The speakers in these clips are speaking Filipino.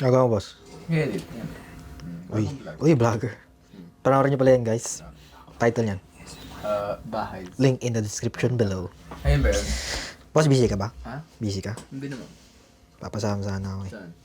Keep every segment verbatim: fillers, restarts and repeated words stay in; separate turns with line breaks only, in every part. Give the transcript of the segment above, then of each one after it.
Nagawa mo, boss?
Edit. Yan.
Uy, uy, vlogger. Panoorin niyo pala yan, guys. Title niyan.
Uh, bahay.
Link in the description below.
Ayun ba yun?
Boss, busy ka ba?
Ha?
Busy ka?
Hindi naman.
Papasama sana ako eh.
Saan?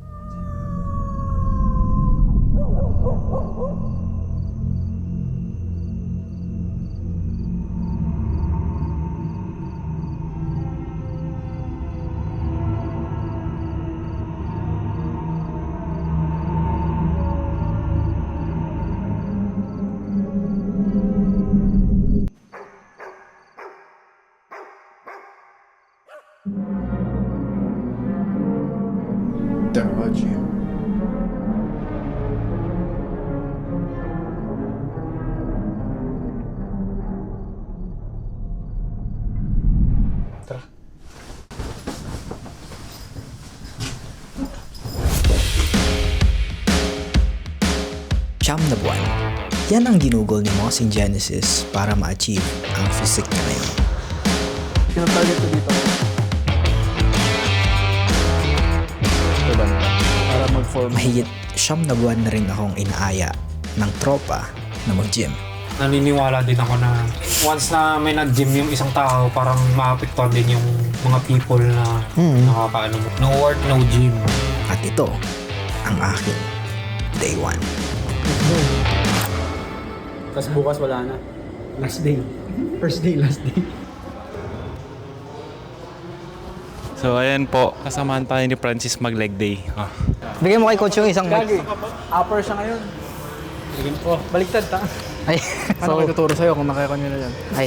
Damaji.
Tara. Siyam na buwan. Yan ang ginugol ni Moss in Genesis para ma-achieve ang physique niya ngayon.
Pinatarget ko dito. Ito ba na? Para mag-form.
Mahigit siyam na buwan na rin akong inaaya ng tropa na mag-gym.
Naniniwala din ako na once na may nag-gym yung isang tao, parang maapektuhan din yung mga people na
Hmm.
nakakaano mo. No work, no gym.
At ito ang aking day one.
Tapos bukas wala na. Last day. First day, last day.
So ayan po, kasamahan tayo ni Francis mag leg day. Ah.
Bigyan mo kay coach yung isang mic.
Gagi. Upper siya ngayon. Oh, baliktad ta.
Ay,
Paano ko tuturo sa'yo kung nakaya nyo na yan?
ay.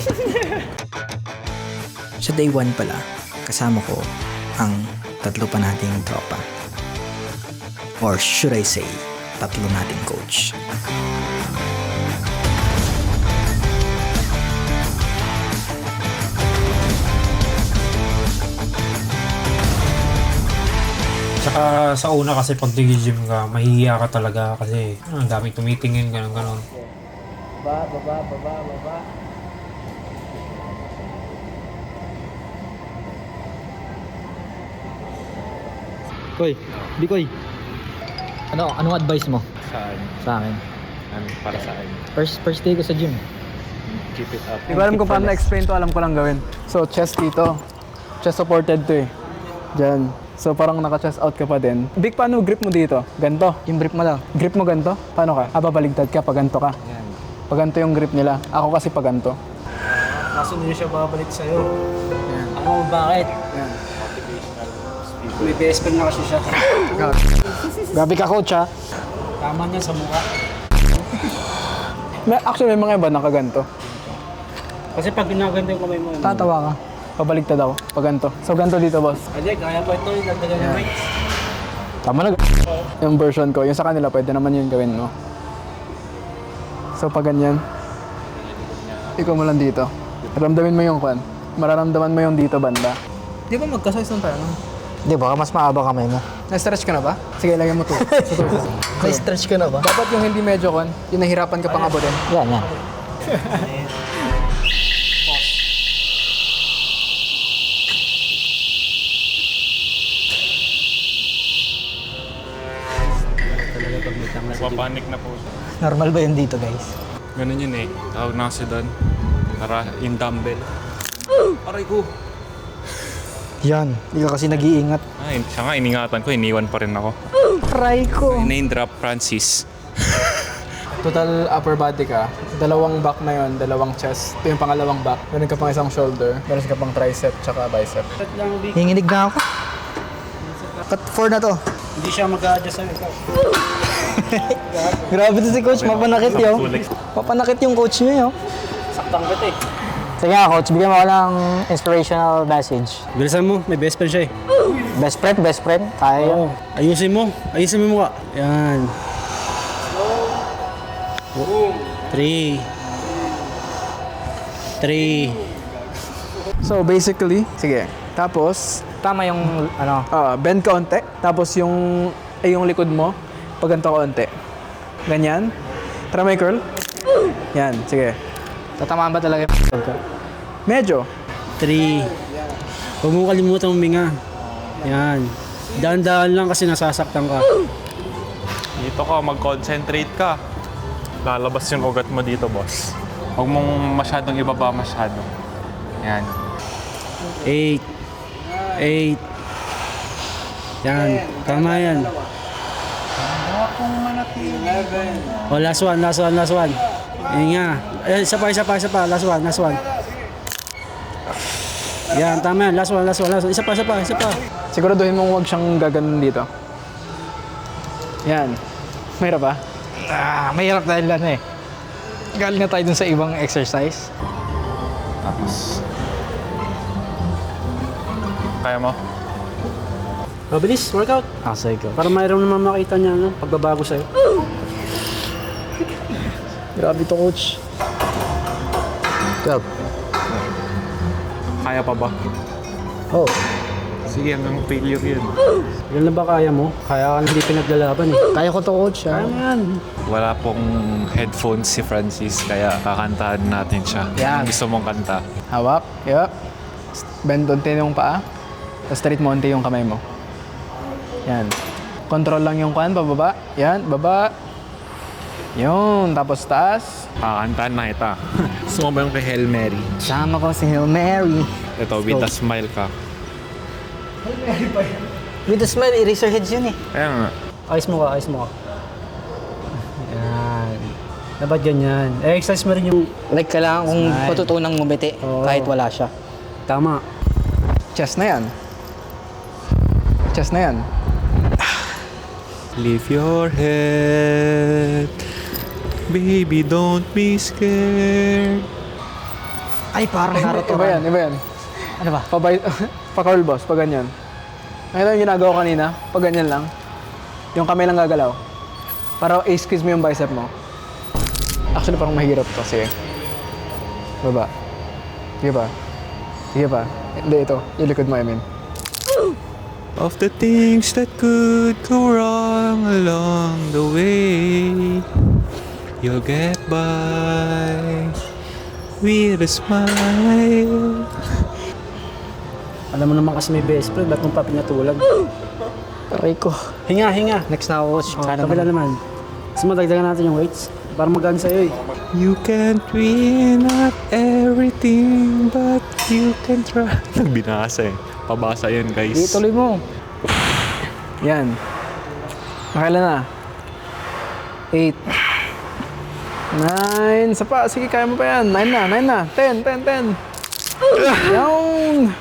Sa day one pala, kasama ko ang tatlo pa nating tropa. Or should I say, tatlo nating coach.
Tsaka sa una kasi pag nag-gym ka, mahihiya ka talaga kasi ah, ang daming tumitingin, gano'n gano'n.
Baba, baba, baba, baba.
Koy, Bikoy. Ano, anong advice mo
Saan?
sa akin?
Ano, para saan?
First first day ko sa gym.
Keep it up.
Hindi ko alam kung paano na-explain to, alam ko lang gawin. So, chest dito. Chest supported to eh. Diyan. So, parang naka-chest out ka pa din. Big, paano grip mo dito? Ganto.
Yung brief mo lang.
Grip mo ganto? Paano ka? Ah, babaligtad ka, pag ganto ka. Pag ganto yung grip nila. Ako kasi pag ganto.
Kaso hindi siya babalik sa'yo. Alam mo bakit?
Yan.
May best friend na kasi siya.
Grabe ka coach ha.
Tama niya sa mukha.
May, actually, may mga iba nakaganto.
Kasi pag ginaganda yung kamay mo,
Tatawa ka. Pabaligtad ako. Pag ganto. So, ganto dito, boss.
Adi, kaya pa ito, nagdagan ng weights.
Tama na. Yung version ko, yung sa kanila, pwede naman yun gawin, no? So, pag ganyan, ikaw mo lang dito. Ramdamin mo yung kwan. Mararamdaman mo yung dito banda. Di ba magka-size ng tayo?
Di ba, mas maaba kamay mo.
Na-stretch ka na ba? Sige, lagyan mo to.
May stretch ka na ba?
Dapat yung hindi medyo kwan, yung nahirapan ka pang abutin.
Yan, yan.
Papanik na po siya.
Normal ba yun dito guys?
Ganun yun eh. Tawag na kasi doon. Para yung dumbbell. Aray ko.
Yan, hindi ka kasi nag-iingat.
Ah, in- siya nga, iningatan ko. Iniwan pa rin ako.
Try ko.
Name drop, Francis.
Total upper body ka, dalawang back na yon, dalawang chest. Ito yung pangalawang back. Meron ka pang isang shoulder, meron ka pang tricep, tsaka bicep.
At lang, Vic,
Hinginig na ako. Cut four na to.
hindi siya mag-a-adjust sa'yo. Ikaw.
Grabe to si coach, mapanakit yun. Mapanakit yung coach niyo yun.
Saktang kita eh.
Sige nga coach, bigyan mo ako ng inspirational message.
Bilisan mo, may best friend siya eh.
Best friend, best friend. Kaya yun.
Oo. Ayusin mo. Ayusin mo yung mukha. Yan. Three. Three.
So basically, sige. Tapos,
Tama yung ano.
ah, bend ka onte. Tapos yung, ay yung likod mo, pag ganito ka onte. Ganyan. Tara may curl. Yan, sige.
Tatamaan ba talaga yung ko?
Medyo.
Three. Huwag mo kalimutan huminga. Yan. Dahan-dahan lang kasi nasasaktan ka.
Dito ka, mag-concentrate ka. Lalabas yung ugat mo dito, boss. Huwag mong masyadong ibaba masyado. Yan.
Eight. Eight. Yan. Tama yan. Oh, last one, last one, last one. Yan nga. Eh, isa pa, isa pa, isa pa. Last one, last one. Yan, tama yan. Last one, last one, last one. Isa pa, isa pa, isa pa.
Siguraduhin mong huwag siyang gaganon dito. Yan. Mahirap ba?
Ah, mahirap dahil ano eh. Galing na tayo dun sa ibang exercise.
Tapos. Kaya mo?
Mabilis, workout.
Ah, sige ko.
Para mayroon naman makita niya, no? Pagbabago sa'yo.
Grabe to, coach. twelve.
Kaya pa ba?
Oh.
Sige, hanggang failure yun.
Yan na ba kaya mo? Kaya ka hindi pinaglalaban eh.
Kaya ko to, coach. Ah.
Kaya mo yan.
Wala pong headphones si Francis, kaya kakantahan natin siya.
Yan.
Ang gusto mong kanta.
Hawak. Yup. Bend unti yung paa. Tapos straight mo unti yung kamay mo. Yan. Control lang yung kuhan, pababa. Yan, baba. Yun, tapos taas.
Kakantahan na kita. Gusto mo ba yung kay Hail Mary?
Sama ko si Hail Mary.
Ito, with a smile ka.
With a smile, Eraserheads yun eh.
Kaya nga.
Ayos mo ka, ayos mo ka. Yan. Dapat ganyan. Eh, exercise mo rin yung...
Like, kailangan kong
Smile.
patutunang ngumiti
Oo.
kahit wala siya.
Tama.
Chest na yan. Chest na yan.
Lift your head. Baby, don't be scared.
Ay, parang Naruto.
Iba yan, iba yan.
Ano ba?
Pabay, pa-curl boss, pag ganyan. Nakita yung ginagawa kanina, pag ganyan lang. Yung kamay lang gagalaw. Para i-squeeze mo yung bicep mo. Actually, parang mahirap to. Sige. Baba. Sige pa. Sige pa. Hindi, ito. Yung likod mo, I mean.
Of the things that could go wrong along the way, you'll get by with a smile.
Alam mo naman kasi may best friend, ba't mong pa pinatulag?
Aray ko.
Hinga, hinga.
Next na ako, coach.
Oh,
Sana
kabila
naman.
naman. Mas madagdagan natin yung weights. Para magaan sa'yo eh.
You can't win at everything, but you can try. Nagbinasa eh. Pabasa yun, guys.
Di, tuloy mo.
Yan. Nakailan na? Eight. Nine. Isa pa. Sige, kaya mo pa yan. Nine na, nine na. Ten, ten, ten. Yan.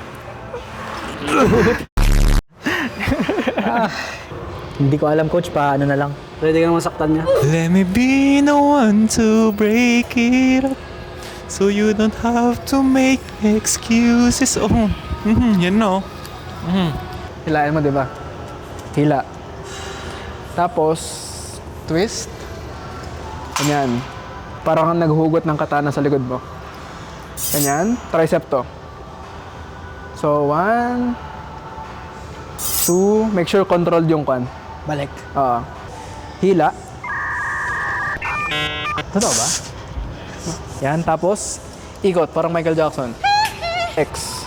Hindi ko alam, coach. Paano na lang.
Pwede ka naman saktan niya.
Let me be the one to break it up, so you don't have to make excuses. Oh, mm-hmm, yan no. Mm-hmm.
Hilain mo, di ba? Hila. Tapos, twist. Ganyan. Parang kang naghugot ng katana sa likod mo. Ganyan. Tricep to. So, one, two, make sure controlled yung kwan.
Balik.
Oo. Hila.
Totoo ba?
Yan. Tapos, ikot. Parang Michael Jackson. X.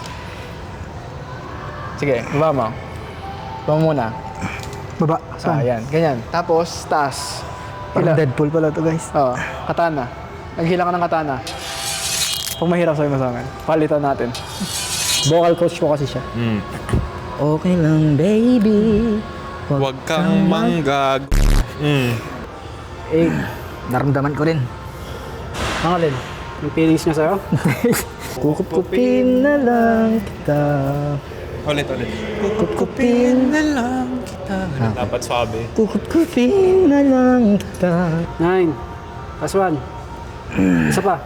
Sige, baba mo. Baba mo muna.
Baba.
Ah, yan. Ganyan. Tapos, taas.
Parang Deadpool pala to, guys.
Oo. Katana. Naghila ka ng katana. Kung mahirap sa'yo mo sa akin, palitan natin.
Vocal coach ko kasi siya.
Mm.
Okay lang, baby.
Huwag kang manggag. Mm.
Eh,
Naramdaman ko rin.
ang alin? Yung feelings niya sa'yo?
Kukup-kupin na lang kita.
Ulit, ulit. Kukupin na lang kita. Dapat swabe.
Kukup-kupin na lang kita.
Nine. Last one. Isa pa.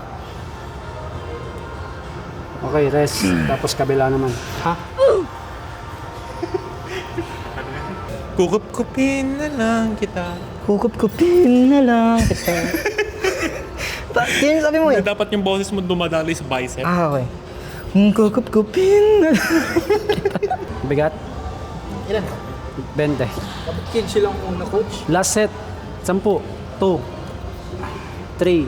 Okay, rest. Tapos kabila naman. Ha?
Kukupin na lang kita.
Kukup-kupin na lang kita. Ta- Yan yung sabi mo eh.
Dapat yung boses mo dumadali sa bicep.
Ah, okay. Kukup-kupin na lang.
Bigat?
Ilan?
twenty.
Dapat kids lang muna, coach.
Last set. Sampu. Two. Three.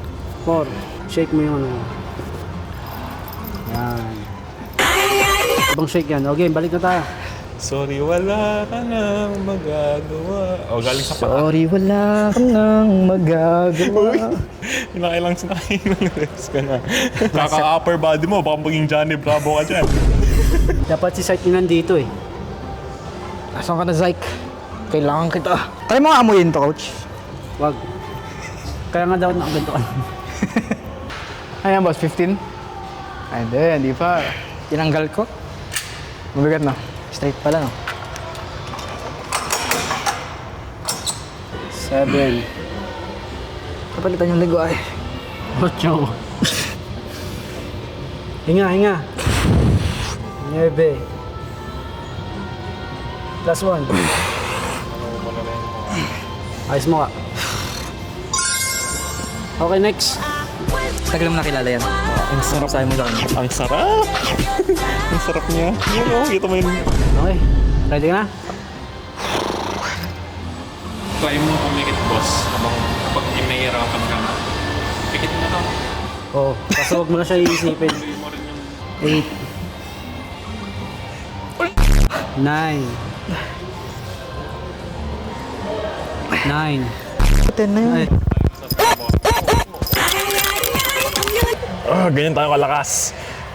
Four. Shake mo yung ano. Yan. Ibang shake yan. Okay, balik na tayo.
Sorry, wala ka nang magagawa. O, galing sa paa.
Sorry, wala kang nang magagawa.
Nakailang sinakailang reps ka na. Kaka-upper body mo, baka maging Johnny Bravo ka dyan.
Dapat si Sight yun nandito eh.
Asan ka na, Zyke? Kailangan kita. Try mo nga amuyin to, coach.
Wag. Kaya nga daw nakaganto ka.
Ayan, boss, fifteen? Ay, hindi, hindi pa.
Tinanggal ko.
Mabigat na.
Straight pala, no?
Seven.
Kapalitan yung ligo, ay.
Ocho. Hinga, hinga. Nueve. Plus one. Ayos mo ka. Okay, next.
Tagal mo nakilala yan.
Ang sarap.
Sabi mo sa kanya.
Ang sarap. Ang sarap niya. Yun o, kita mo yun.
Okay. Ready ka na?
Try mo pumikit, boss. Habang pag inahirapan ka na. Pikit mo to.
Oo. Kaso huwag mo na siya iisipin.
Tuloy mo rin yung
Eight. Nine. Nine.
Ten na yun.
Ay.
Ah, ganyan tayo kalakas.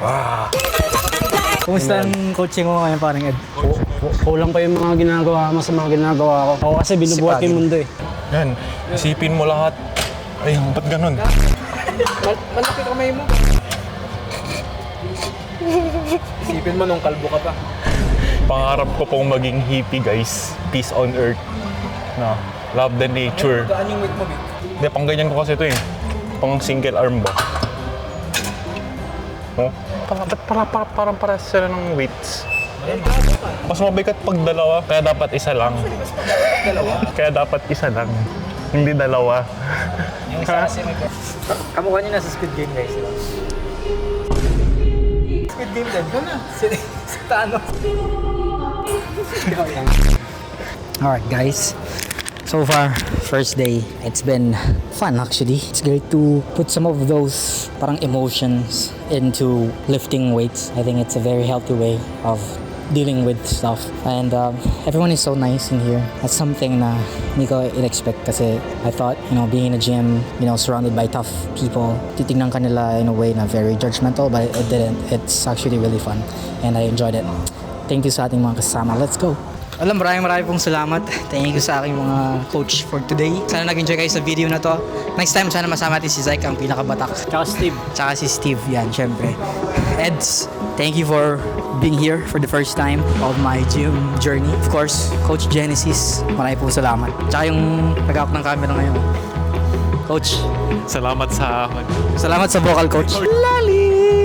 Kumusta ang coaching mo ngayon, parang Ed?
Kulang pa yung mga ginagawa mo sa mga ginagawa ko. Ako kasi binubuhat ko yung mundo eh.
Yan, isipin mo lahat. Ay, ba't ganun?
Malaki kamay mo. Isipin mo nung kalbo ka pa.
Pangarap ko pong maging hippie, guys. Peace on earth. No, love the nature.
Gaan yung weight mo, Vic?
Hindi, pang ganyan ko kasi ito eh. Pang single arm ba? Oh? Para, ba't para, para, parang para sila ng weights. Mas mabigat pag dalawa, kaya dapat isa lang. Kaya dapat isa lang. Hindi dalawa.
Yung isa kasi may... Kamukha niyo nasa Squid Game, guys. Diba? Squid Game din. Ito na. Si, si Thanos. Alright, guys. So far, first day, it's been fun actually. It's great to put some of those parang emotions into lifting weights. I think it's a very healthy way of dealing with stuff. And um, everyone is so nice in here. That's something na hindi ko in-expect kasi I thought, you know, being in a gym, you know, surrounded by tough people, titignan ka nila in a way na very judgmental, but it didn't. It's actually really fun and I enjoyed it. Thank you sa ating mga kasama. Let's go! Alam, maraming maraming pong salamat. Thank you sa aking mga coach for today. Sana nag-enjoy kayo sa video na to. Next time, sana masama natin si Zyke, ang pinakabatak.
Tsaka Steve.
Tsaka si Steve, yan, syempre. Eds, thank you for being here for the first time of my gym journey. Of course, Coach Genesis, maraming pong salamat. Tsaka yung nag-out ng camera ngayon. Coach,
Salamat sa...
salamat sa vocal coach.
Lalim!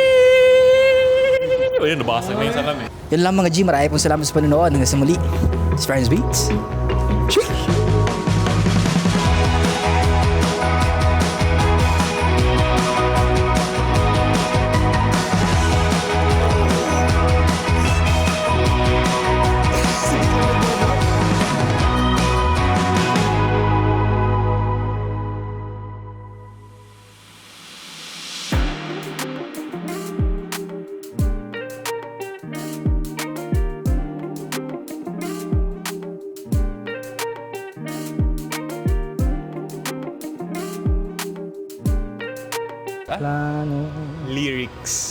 Ayun, nabasag na yung salam eh.
Yun lang mga G, maraming pong salamat sa panonood. Hanggang sa muli, it's Friends Beats. Cheers!
Lyrics.